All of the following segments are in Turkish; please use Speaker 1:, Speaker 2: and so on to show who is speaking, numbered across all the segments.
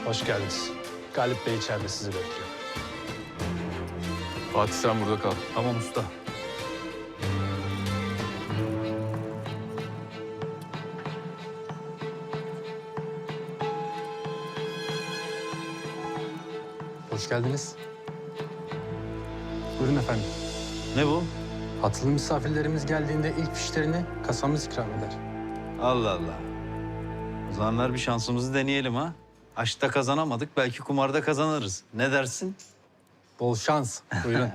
Speaker 1: Hoş geldiniz. Galip Bey içeride sizi bekliyor.
Speaker 2: Fatih sen burada kal.
Speaker 1: Tamam usta. Hoş geldiniz. Buyurun efendim.
Speaker 3: Ne bu?
Speaker 1: Hatırlı misafirlerimiz geldiğinde ilk fişlerini kasamız ikram eder.
Speaker 3: Allah Allah. O zaman ver bir şansımızı deneyelim ha. Aşkta kazanamadık, belki kumarda kazanırız. Ne dersin?
Speaker 1: Bol şans. Buyurun.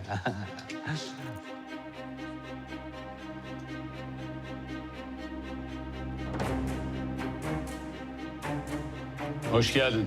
Speaker 2: Hoş geldin.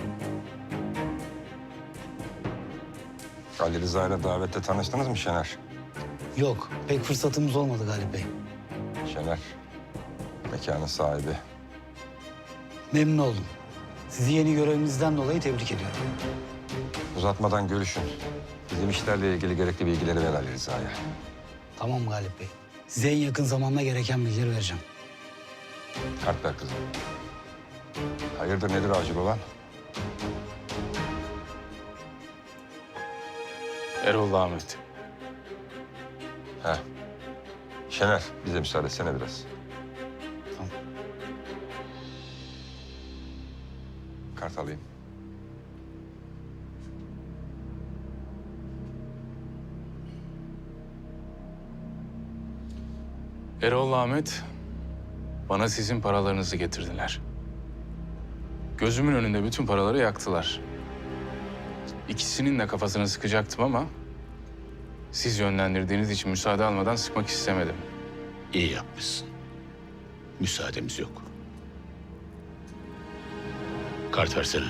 Speaker 4: Ali Rıza ile davette tanıştınız mı Şener?
Speaker 5: Yok, pek fırsatımız olmadı Galip Bey.
Speaker 4: Şener, mekanın sahibi.
Speaker 5: Memnun oldum. Sizi yeni görevinizden dolayı tebrik ediyorum.
Speaker 4: Uzatmadan görüşün. Bizim işlerle ilgili gerekli bilgileri ver Ali Rıza'ya.
Speaker 5: Tamam Galip Bey. Size en yakın zamanda gereken bilgileri vereceğim.
Speaker 4: Kart ver kızım. Hayırdır, nedir acil olan?
Speaker 2: Erol Ahmet.
Speaker 4: He. Şener, bize müsaade etsene biraz.
Speaker 5: Tamam.
Speaker 4: Kart alayım.
Speaker 2: Erol Ahmet, bana sizin paralarınızı getirdiler. Gözümün önünde bütün paraları yaktılar. İkisinin de kafasını sıkacaktım ama siz yönlendirdiğiniz için müsaade almadan sıkmak istemedim.
Speaker 6: İyi yapmışsın. Müsaademiz yok. Kart versene.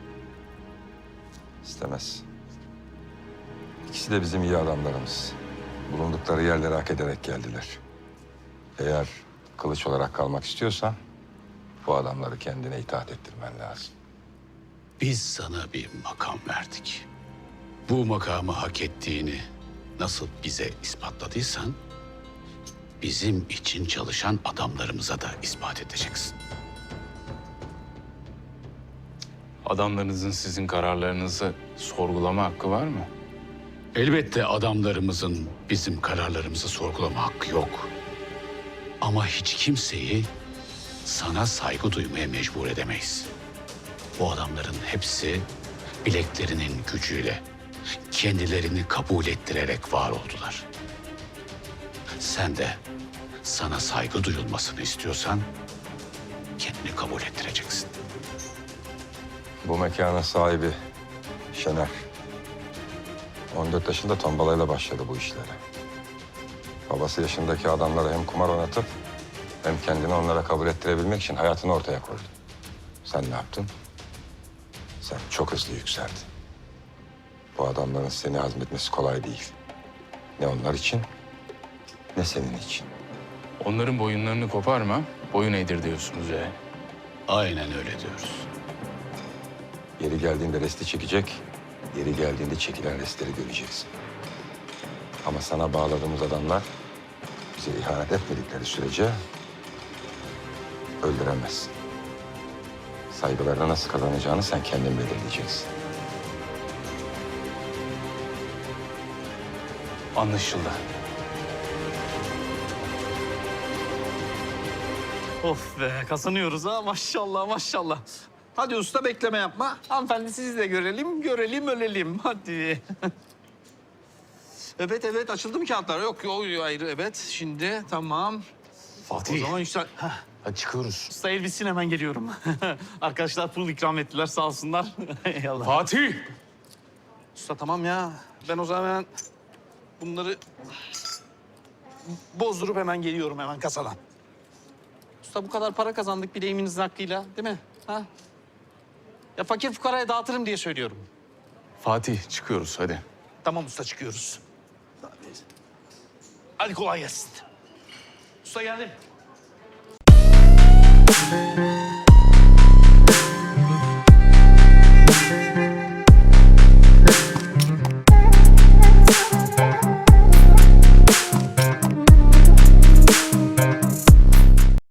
Speaker 4: İstemez. İkisi de bizim iyi adamlarımız. Bulundukları yerleri hak ederek geldiler. Eğer kılıç olarak kalmak istiyorsan bu adamları kendine itaat ettirmen lazım.
Speaker 6: Biz sana bir makam verdik. Bu makamı hak ettiğini nasıl bize ispatladıysan, bizim için çalışan adamlarımıza da ispat edeceksin.
Speaker 2: Adamlarınızın sizin kararlarınızı sorgulama hakkı var mı?
Speaker 6: Elbette adamlarımızın bizim kararlarımızı sorgulama hakkı yok. Ama hiç kimseyi sana saygı duymaya mecbur edemeyiz. Bu adamların hepsi bileklerinin gücüyle kendilerini kabul ettirerek var oldular. Sen de sana saygı duyulmasını istiyorsan kendini kabul ettireceksin.
Speaker 4: Bu mekanın sahibi Şener. 14 yaşında tombalayla başladı bu işlere. Babası yaşındaki adamlara hem kumar oynatıp hem kendini onlara kabul ettirebilmek için hayatını ortaya koydu. Sen ne yaptın? Sen çok hızlı yükseldin. Bu adamların seni hazmetmesi kolay değil. Ne onlar için ne senin için.
Speaker 2: Onların boyunlarını koparma, boyun eğdir diyorsunuz ya.
Speaker 6: Aynen öyle diyoruz.
Speaker 4: Yeri geldiğinde resti çekecek, yeri geldiğinde çekilen restleri göreceksin. Ama sana bağladığımız adamlar bize ihanet etmedikleri sürece öldüremezsin. Saygılarını nasıl kazanacağını sen kendin belirleyeceksin.
Speaker 2: Anlaşıldı.
Speaker 3: Of be, kazanıyoruz ha. Maşallah, maşallah. Hadi usta, bekleme yapma. Hanımefendi sizi de görelim, ölelim. Hadi. Evet, açıldı mı kağıtlar? Yok, ayrı, evet. Şimdi, tamam.
Speaker 2: Fatih.
Speaker 3: O zaman işte...
Speaker 2: Hadi çıkıyoruz.
Speaker 3: Usta elbisin, hemen geliyorum. Arkadaşlar pul ikram ettiler, sağ olsunlar. Eyvallah.
Speaker 2: Fatih!
Speaker 3: Usta tamam ya. Ben o zaman hemen bunları bozdurup hemen geliyorum hemen kasadan. Usta bu kadar para kazandık bileğiminizin hakkıyla, değil mi? Ha? Ya fakir fukaraya dağıtırım diye söylüyorum.
Speaker 2: Fatih çıkıyoruz hadi.
Speaker 3: Tamam usta, çıkıyoruz. Hadi kolay gelsin. Usta geldim.